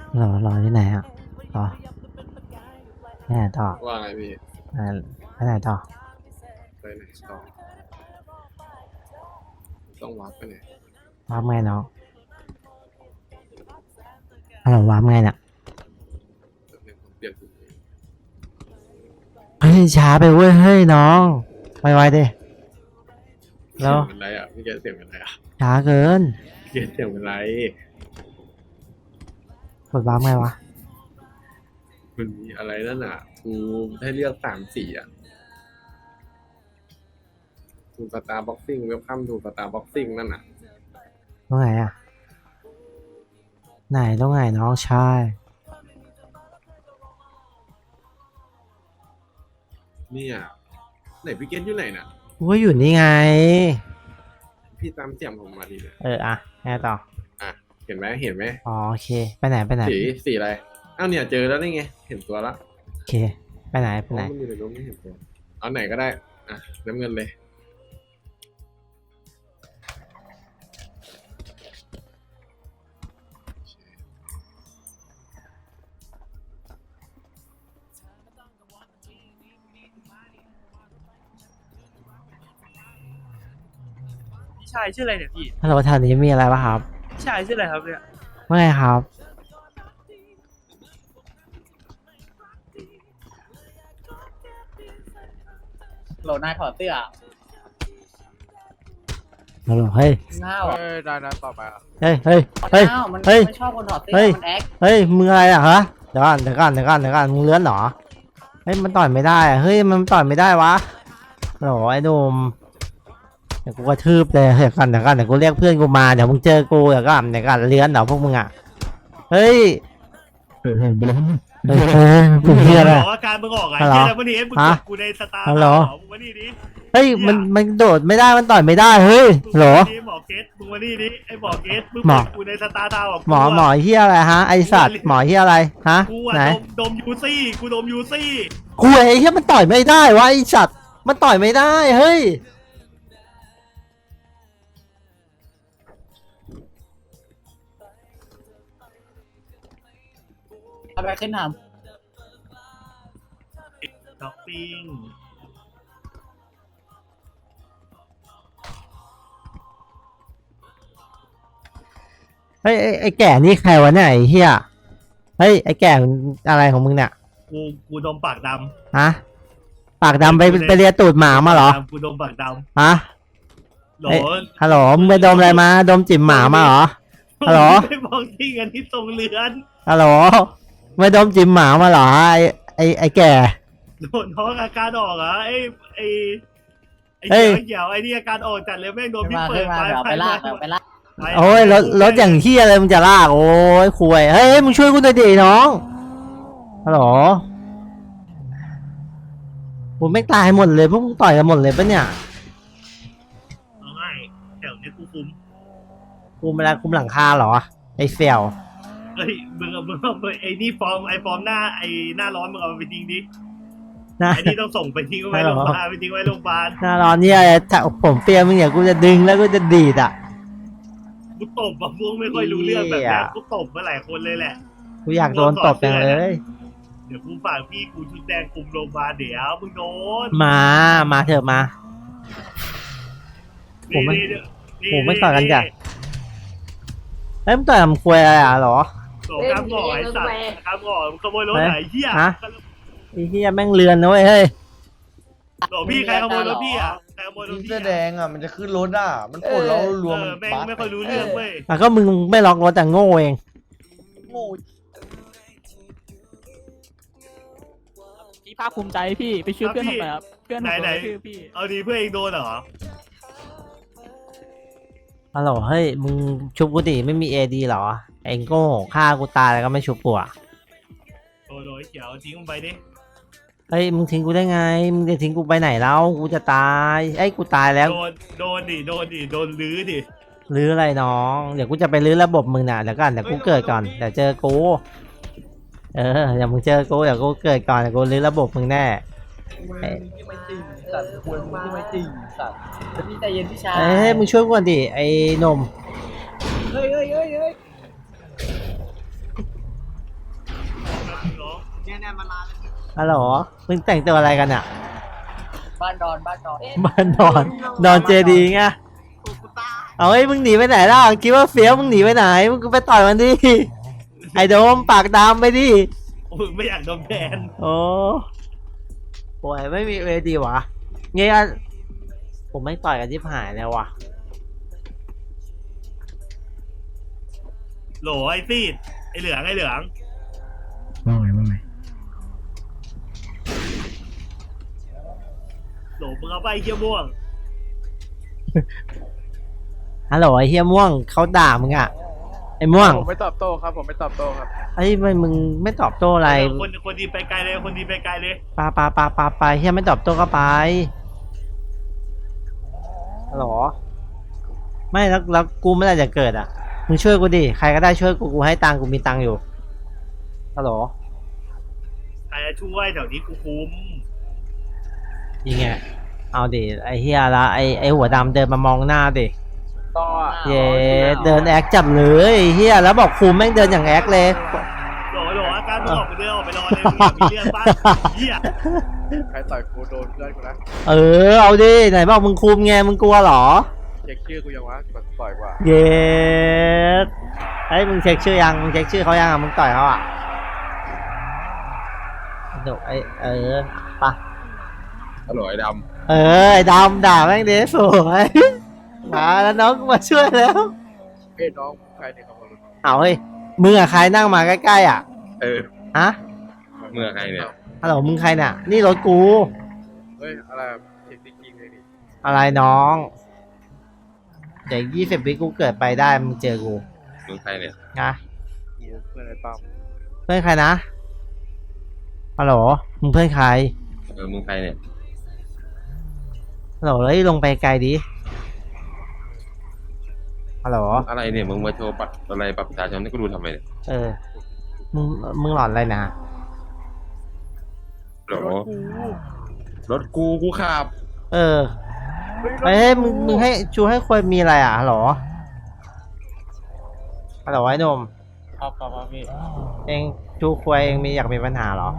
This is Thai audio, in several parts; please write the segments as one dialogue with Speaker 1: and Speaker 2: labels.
Speaker 1: รอที่ไหนอ่ะรอไปไหนต่อ
Speaker 2: ว่าไงพี่
Speaker 1: ไปไหนต่อ
Speaker 2: ไปไหนต่อต้องวัดไปไหน
Speaker 1: วาร์ปไงน้องฮัลโหลวาร์ปไงเนี่ย
Speaker 2: เปลี่ยน
Speaker 1: เฮ้ยช้าไปเว้ยเฮ้ยน้องไวๆดิแล้ว
Speaker 2: เป็นไรอ่ะพี่แกเสียงเป็นไรอ่ะ
Speaker 1: ช้าเกิน
Speaker 2: พี่แกเสียงเป็นไร
Speaker 1: กดวาร์ปไงวะ
Speaker 2: มันมีอะไรนั่นอ่ะกูให้เลือก3 สีอ่ะทูสตาร์บ็อกซิ่งเวลคัมทูสตาร์บ็อกซิ่งนั่นอ่ะ
Speaker 1: ตรงไหนอ่ะไหนตรงไหนน้องชาย
Speaker 2: เนี่ยไหนพี่เกตอยู่ไหนน่ะ
Speaker 1: ว่าอยู่นี่ไง
Speaker 2: พี่ตามเสียงผมมาดีเลย
Speaker 1: อ่ะไงต่อ
Speaker 2: อ่ะเห็นไหม
Speaker 1: อ๋อโอเคไปไหน
Speaker 2: สีอะไรอ้าวเนี่ยเจอแล้วนี่ไงเห็นตัวละ
Speaker 1: โอเคไปไหน
Speaker 2: มันอยู่ในรูปไม่เห็นตัวเอาไหนก็ได้อ่ะน้ำเงินเลย
Speaker 3: พี่ชายชื่ออะไรเนี่ยพี่
Speaker 1: ฮัลโหลแถวนี้มีอะไรปะครับ
Speaker 3: พี่ชายชื่ออะไรครับเนี่ย
Speaker 1: ว่าไงครับ
Speaker 4: โหลนายถอดเสื้อ
Speaker 1: ฮัลโหลเฮ้ย
Speaker 4: ง่าวอ่ะ
Speaker 3: ได้ต่อไปอ่ะ
Speaker 1: เฮ้ย
Speaker 4: มันชอบคนถอดเสื้อมันแอค
Speaker 1: เฮ้ยมืออะไรอ่ะฮะเดี๋ยวก่อนมึงเลื้อนเหรอเฮ้ยมันต่อยไม่ได้อ่ะเฮ้ยมันต่อยไม่ได้วะโหลไอ้หนุ่มเดี๋ยวกูกระทืบเลยเดี๋ยวกันเดี๋ยวกูเรียกเพื่อนกูมาเดี๋ยวมึงเจอกูเดี๋ยวกันเลื้อนเหรอพวกมึงอ่ะเฮ้ยมึงเฮียอะไร
Speaker 3: บอกว่าการมึงออกไงเฮียวันนี้มึงกดกูในสตาร์มึงมานี่ดิ
Speaker 1: เฮ้ยมันโดดไม่ได้มันต่อยไม่ได้เฮ้ยโหล
Speaker 3: หมอเกตมึงมานี่ดิไอ้หมอเกตมึงกดกูในสตาร์ดาว
Speaker 1: หมอเฮียอะไรฮะไอสัตว์หมอเฮียอะไรฮะไหน
Speaker 3: ดมยูซี่กูดมยูซี่
Speaker 1: กูไอ้เฮียมันต่อยไม่ได้วะไอสัตว์มันต่อยไม่ได้เฮ้ย
Speaker 4: อะไรขึ้นทำ
Speaker 3: ช้อปปิ้ง
Speaker 1: เฮ้ยไอ้แก่นี่ใครวะเนี่ยไอ้เฮียเฮ้ยไอ้แก่อะไรของมึงเนี่ย
Speaker 3: กูดมปากด
Speaker 1: ำฮะปากดำไปเลียตูดหมามาเหรอ
Speaker 3: กูดมปากดำ
Speaker 1: ฮะฮัลโหลมึงไปดมอะไรมาดมจิ๋มหมามาเหรอฮัลโหล
Speaker 3: ไม่บอกที่กันที่ทรงเรือน
Speaker 1: ฮัลโหลไม่ดมจิ๋มหมามาเหรอไอ้แก่
Speaker 3: โดนท้องอาการออกเหรอไอ้เกี่ยวไอ้นี่อาการออกจัดเลยแม่งโดนพี่เปิด
Speaker 4: ไปลาก
Speaker 1: โอ้ยรถอย่างที่อะไรมึงจะลากโอ้ยคุยเฮ้ยมึงช่วยกูหน่อยดิน้องฮัลโหลผมไม่ตายหมดเลยพวกมึงต่อยกันหมดเลยปะเนี่ย
Speaker 3: ไม่แถวนี้กู
Speaker 1: คุมอะไรคุมหลังคาเหรอไอ้เซล
Speaker 3: เฮ้ยมึงไอ้นี่ฟอร์มหน้าร้อนมึงเอาไปทิ้งดิไอ้นี่ต้องส่งไปทิ้งไว้โรงพยาบาลไปทิ้งไว้โรงพยาบาล
Speaker 1: หน้าร้อนเนี่ยถ้าผมเปียมึงเนี่ยกูจะดึงแล้วกูจะดีดอ่ะ
Speaker 3: กูตบพวกไม่ค่อยรู้เรื่องแบบนี้กูตบมาหลายคนเลยแหละ
Speaker 1: กูอยากโดนตบจังเลย
Speaker 3: เดี๋ยวกูฝากพี่กูชุดแดงคุมโรงพยาบาลเดี๋ยวมึงโดน
Speaker 1: มาเถอะมาผมไม่ต่อกันจ้ะเฮ้ยมึงต่อยมึงคุยอะไรอ่ะหรอ
Speaker 3: โอ้ครับก่อไอ้สัตว์ครับก่อขโมยรถไหนเหี้ย
Speaker 1: ไอ้เหี้ยแม่งเรือนนะเว้ยเฮ้ย
Speaker 3: โอ้พี่ใครขโมยรถพี่อ่ะใครขโมยรถพี่
Speaker 5: เสื้อแดงอ่ะมันจะขึ้นรถอ่ะมันกดแล้วรวม
Speaker 3: แม่งไม่ค่อยรู้เรื่องเว้ย
Speaker 1: ก็มึงไม่ล็อกรถแต่โง่เอง
Speaker 5: โง่
Speaker 4: พี่ภาคภูมิใจพี่ไปช่วยเพื่อนผมหน่อยครับเพื่อนผมโดนพี่
Speaker 3: เอาดีเพื่อนเองโดนเหรอ
Speaker 1: ฮัลโหลเฮ้ยมึงชุบกูดิไม่มีเอดีหรอเองโง่ฆ่ากูตายแล้วก็ไม่ชุบกูอ่ะ
Speaker 3: โดยเขียวทิ้งมึงไปดิ
Speaker 1: เฮ้ยมึงทิ้งกูได้ไงมึงจะทิ้งกูไปไหนแล้วกูจะตายไอ้กูตายแล้ว
Speaker 3: โดนลื้อดิ
Speaker 1: ลื้ออะไรน้องเดี๋ยวกูจะไปลื้อระบบมึงน่ะเดี๋ยวกูเกิดก่อนเดี๋ยวเจอกูเดี๋ยวมึงเจอกูเดี๋ยวกูเกิดก่อนเดี๋ยวกูลื้อระบบมึงแน่
Speaker 5: ไม่จริงสัตว์ควรมึงที่ไม่จริงสัตว์
Speaker 4: พี่ใจเย็นพี่ชาย
Speaker 1: เฮ้ยมึงช่วยกูก่อนดิไอ้นม
Speaker 4: เฮ้ย
Speaker 1: ฮัลโหลมึงแต่งตัวอะไรกันอ่ะ
Speaker 5: บ้านดอน
Speaker 1: บ้านนอนนอนเจดีไงเอาเฮ้ยมึงหนีไปไหนล่ะคิดว่าเฟี้ยวมึงหนีไปไหนมึงก็ไปต่อยมันดิไอ้โดมปากดำไปดิ
Speaker 3: โอ้ยไม่อยากโดนแบน
Speaker 1: โอ้โหไม่มีเวทีวะเงี้ยผมไม่ต่อยกันที่หายแล้ววะ
Speaker 3: โหลไอ้ซีดไอ้เหลือง
Speaker 6: ว่าไง
Speaker 3: โหลมึงเอาไปไอ้เหี้ยม่วง
Speaker 1: ฮัลโหลไอ้เฮียม่วงเขาด่ามึงอ่ะไอ้ม่วง
Speaker 5: ผมไม่ตอบโต้ครับ ผมไม่ตอบโต้ครับ
Speaker 1: ไอ้มึงไม่ตอบโต้อะไร
Speaker 3: คนดีไปไกลเลยคนดีไปไกลเลย
Speaker 1: ไปเฮียไม่ตอบโต้ก็ไปฮัลโหลไม่แล้วกูเมื่อไหร่จะเกิดอ่ะมึงช่วยกูดิใครก็ได้ช่วยกูให้ตังค์กูมีตังค์อยู่ฮัลโหล
Speaker 3: ใครจะช่วยแถวนี้กูคุ้ม
Speaker 1: ยิงไงเอาดิไอ้เฮียละไอ้หัวดำเดินมามองหน้าดิ
Speaker 5: ต่อ
Speaker 1: เย้เดินแอคจับเลยไอ้เฮียแล้วบอกคุมแม่งเดินอย่างแอคเลย
Speaker 3: โหลอาการมึงออกไปเดินออกไปรอเลยมึงอยากมีเรื่องป้าเหี้ย
Speaker 5: ใครต่อยกูโดนเพื่อนกูนะ
Speaker 1: เออเอาดิไหนบอกมึงคุมไงมึงกลัวเหรอ
Speaker 5: เช็คชื่อกูยังวะก่อนต่อยกว่า
Speaker 1: เย้ไอ้ยมึงเช็คชื่อยังมึงเช็คชื่อเขายังอ่ะมึงต่อยเขาอ่ะเดี๋ยวไอ้ปะ
Speaker 2: อร่อยด
Speaker 1: ไอ้ดำด่าแม่งดิสวยมาแล้วน้องกูมาช่วยแล้ว
Speaker 5: เอ้ยน้องใครเนี่ยครับผม
Speaker 1: เอาเฮ้ยมึงอะใครนั่งมาใกล้ๆอ่ะ
Speaker 2: ำ
Speaker 1: ฮะ
Speaker 2: เมื่อใครเนี่ย
Speaker 1: ฮัลโหลมึงใครเนี่ยนี่รถกู
Speaker 5: เฮ้ยอะไรเช็คจริงๆเลยดิ
Speaker 1: อะไรน้องเดี๋ยว20 วิกูเกิดไปได้มึงเจอกู
Speaker 2: มึงใครเนี่ย
Speaker 1: นะ
Speaker 5: กูเพื่อนไอ้ปั๊ม
Speaker 1: เพื่อนใครนะฮัลโหลมึงเพื่อนใคร
Speaker 2: มึงใครเนี่ย
Speaker 1: ฮัลโหลเฮ้ยลงไปไกลดิฮัลโหล
Speaker 2: อะไรเนี่ยมึงมาโชว์บัตรอะไรบัตรประชาชนให้กูดูทำไมเนี่ย
Speaker 1: เออมึงหลอนอะไรนะ
Speaker 2: โหลรถกูขับ
Speaker 1: เออเฮ้ยมึงให้ชูให้ควรมีอะไรอ่ะฮัลโหลฮัลโหลไอ้หนุ่ม
Speaker 5: ครับพี่
Speaker 1: เองชูควรเองมีอยากมีปัญหาเหรอ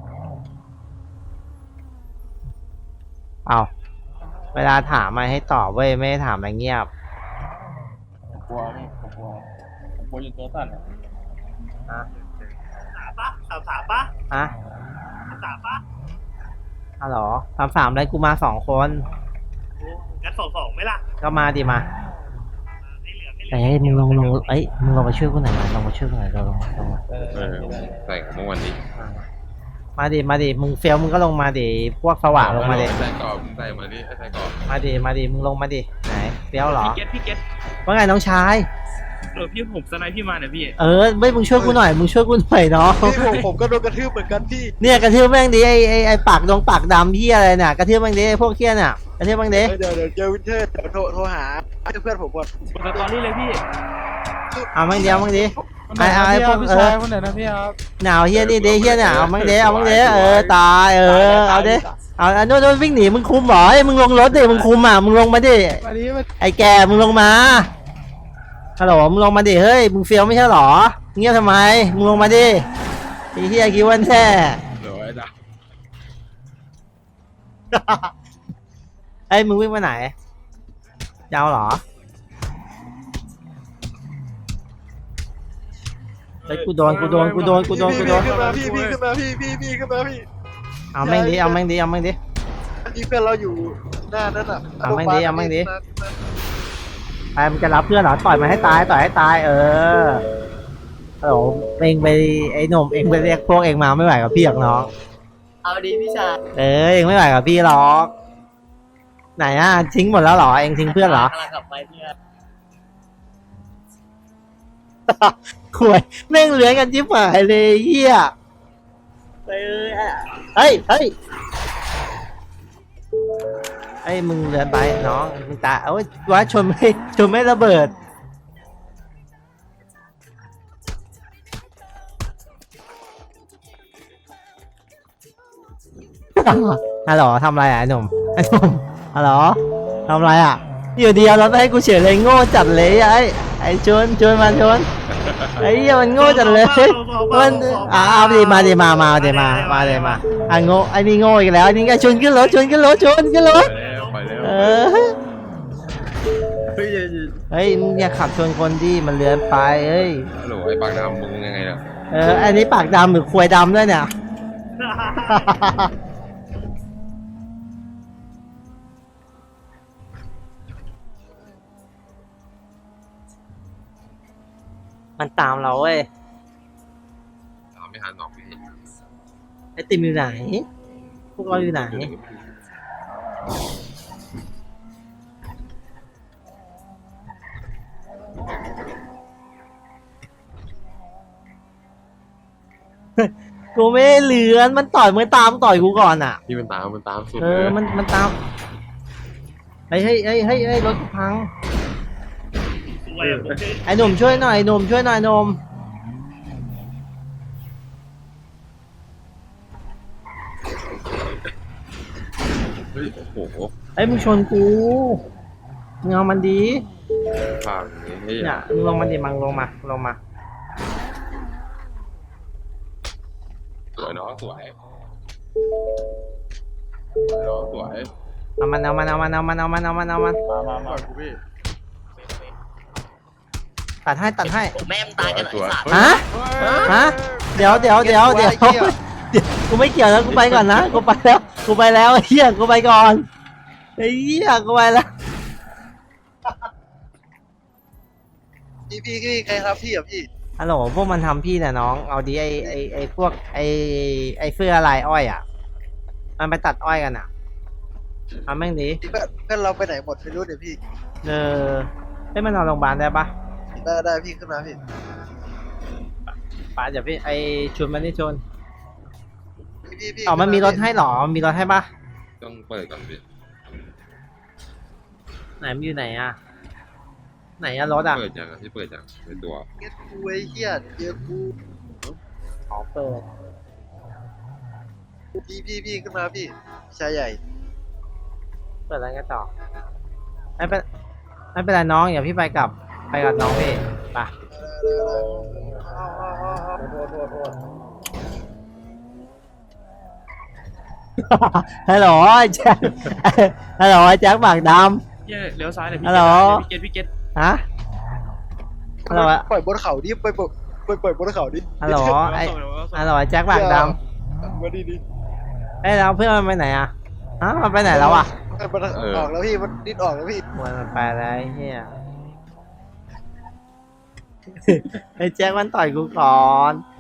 Speaker 1: เอาเวลาถามมาให้ตอบเว้ยไม่ได้ถามอะไรเงียบ
Speaker 5: กลัวพี่ผมกลัวจนตัวสั่นอ่ะ
Speaker 1: ฮะ
Speaker 3: สามปะ
Speaker 1: ฮะ
Speaker 3: สามปะ
Speaker 1: ฮัลโหลถามอะไรกูมา2 คน
Speaker 3: งั้นสองไหมล่ะ
Speaker 1: ก็มาดิมา
Speaker 3: ไอ้เหลือง
Speaker 1: เอ้ยมึงลงเอ้ยมึงลงมาช่วยกูหน่อยมาลงมาช่วยกูหน่อยลงมา
Speaker 2: ใส่ของเมื่อวันนี้
Speaker 1: มาดิมึงเฟี้ยวมึงก็ลงมาดิพวกสว่างลงมาดิ
Speaker 2: ใส่กรอบมึงใส่มาดิใส่กรอบ
Speaker 1: มาดิมึงลงมาดิไหนเฟี้ยวเหรอ
Speaker 7: พี่เกต
Speaker 1: ว่าไงน้องชาย
Speaker 7: พี่ผมสไนพี่มาเนี่ยพี่
Speaker 1: ไม่มึงช่วยกูหน่อยมึงช่วยกูหน่อยเนาะ
Speaker 5: พี่ผมก็โดนกระทืบเหมือนกันพี่
Speaker 1: เนี่ยกระทืบแม่งดิไอ้ปากปากดำพี่อะไรน่ะกระทืบแม่งดิไอ้พวกเคี้ยน่ะกระทืบแม่งดิ
Speaker 5: เดี๋ยวเจอวินเทอร์เดี๋ยวโทรหาเพื่อนผมก่อน
Speaker 7: กดสตอรี่เลยพี่
Speaker 1: เอาแม่งดิไอ้พวก
Speaker 6: คนไหนนะพี่ครับ
Speaker 1: หนาวเฮี้ยนี่ดิเฮี้ยน่ะเอาแม่งดิตายเอาดิเอาโน่นวิ่งหนีมึงคุมเหรอมึงลงรถดิมึงคุมอ่ะมึงลงมาดิ
Speaker 6: วันนี้มัน
Speaker 1: ไอ้แกมึงลงมาฮัลโหลมึงลงมาดิเฮ้ยมึงเฟี้ยวไม่ใช่หรอเงียบทำไมมึงลงมาดิไอ้เฮี้ยคิดว่าแท้
Speaker 2: โหลไอ้ด
Speaker 1: ไอ้มึงวิ่งไปไหนยาวเหรอไอ้กูโดน
Speaker 5: ขึ้นมาพี่ขึ้นมาพี่
Speaker 1: เอาแม่งดิ
Speaker 5: ที่เพื่อนเราอยู่หน้านั่นอ่ะ
Speaker 1: เอาแม่งดิไปมันจะรับเพื่อนเหรอต่อยมันให้ตายฮัลโหลเองไปไอ้หนุ่มเองไปเรียกพวกเองมาไม่ไหวกับพี่หรอกน้อง
Speaker 5: เอาดีพี่ชาย
Speaker 1: เองไม่ไหวกับพี่หรอกไหนอ่ะทิ้งหมดแล้วเหรอเองทิ้งเพื่อนเหรอ
Speaker 5: กำลังกลับไปเพื่อน
Speaker 1: ข่วยแม่งเหลือกันจิ๊บหายเลยเฮียเฮ้ยมึงเลือนไปน้องมึงตาเอ้ยว่าชนไม่ระเบิดฮัลโหลทำไรอ่ะไอ้หนุ่มฮัลโหลทำไรอ่ะอยู่เดียวแล้วให้กูเฉยเลยโง่จัดเลยไอ้ชนมาไอ้เหี้ยมันโง่จังเลยมันเอาดิมาดิมาเลยมาอ่ะโง่ไอ้นี่โง่อีกแล้วไอ้นี่ก็ชนขึ้นรถ
Speaker 2: ไปแล้ว
Speaker 1: เออ
Speaker 2: เฮ้ย
Speaker 1: เฮ้ยมึงอย่าขับชนคนดิมันเลื้อนไปเฮ้ย
Speaker 2: ฮัลโหลไอ้ปากดำมึงยังไงล่ะ
Speaker 1: อันนี้ปากดำหรือควยดำด้วยเนี่ย มันตามเราเว้ย
Speaker 2: ตามไม่ทันหรอกพี่
Speaker 1: ไอติมอยู่ไหน พวกเราอยู่ไหน กูไม่ได้เลือนมันต่อยตามต่อยกูก่อนอ่ะ
Speaker 2: พี่มันตามสุด
Speaker 1: มันตามเฮ้ยรถกูพัง
Speaker 3: สวยอะผม
Speaker 1: ไอ้หนุ่มช่วยหน่อยหนุ่มช่วยหน่อยหนุ่ม
Speaker 2: เฮ้ยโอ้โห
Speaker 1: ไอ้มึงชนกูมึงเอามันดี
Speaker 2: ผ่านนี่
Speaker 1: เนี่ยมึงลงมาดิมังลงมา
Speaker 2: สวยเนาะสวยเนาะสวย
Speaker 1: เอามัน
Speaker 5: มามา
Speaker 1: ตัดให้
Speaker 5: แม่งตายกันไอ้สัตว์
Speaker 1: ฮะเดี๋ยวกูไม่เกี่ยวแล้วกูไปก่อนนะกูไปแล้วไอ้เหี้ยกูไปก่อนไอ้เหี้ยกูไปแล้ว
Speaker 6: พี่ใครครับพี่อ่ะพี่
Speaker 1: ฮัลโหลพวกมันทำพี่น่ะน้องเอาดิไอ้พวกไอ้เสื้อลายอ้อยอ่ะมันไปตัดอ้อยกันอ่ะเอาแม่งดิ
Speaker 6: เพื่อนเราไปไหนหมดไม่รู้เดี๋ยวพี่
Speaker 1: ให้มันนอนโรงพยาบาลได้ปะ
Speaker 6: ได้พี่ขึ้นมาพี่
Speaker 1: ป้าเดี๋ยวพี่ไอ้ชวนมันนี่ชวน
Speaker 6: พี่
Speaker 1: อ๋อมันมีรถให้หรอมีรถให้ปะ
Speaker 2: ต้องเปิดก่อนพี่
Speaker 1: ไหนมันอยู่ไหนอ่ะไหนอะรถอ่ะ
Speaker 2: เปิดยังพี่เปิดยังในตัว
Speaker 6: เงี้ยกูไอ้เหี้ยเจอกู
Speaker 1: อ๋อเปิด
Speaker 6: พี่ขึ้นมาพี่ชายใหญ่
Speaker 1: เปิดอะไรกันต่อไม่เป็นไรน้องอย่าพี่ไปกับน้องพี่ไป ฮัลโหลไอ้แจ็คฮัลโหลไอ้แจ็คปากด
Speaker 7: เย้เลี้ยวซ้ายเลยพี่
Speaker 1: ฮัลโหล
Speaker 7: พี่เกต
Speaker 1: ำฮะฮัลโหล
Speaker 6: ปล่อยบนเขาดิปล่อยบนเขาดิ
Speaker 1: ฮัลโหลไอ้ฮัลโหลไอ้แจ็คปากด
Speaker 6: มาดี
Speaker 1: ำเอ้ยแล้วเพื่อนมันไปไหนอ่ะฮะมันไปไหนแล้วอ่ะ
Speaker 6: มันออกแล้วพี่มันดิ้นออกแล้วพี่
Speaker 1: มันไปแล้วไอ้เฮียไอ้แจ็คมันต่อยกูก่อน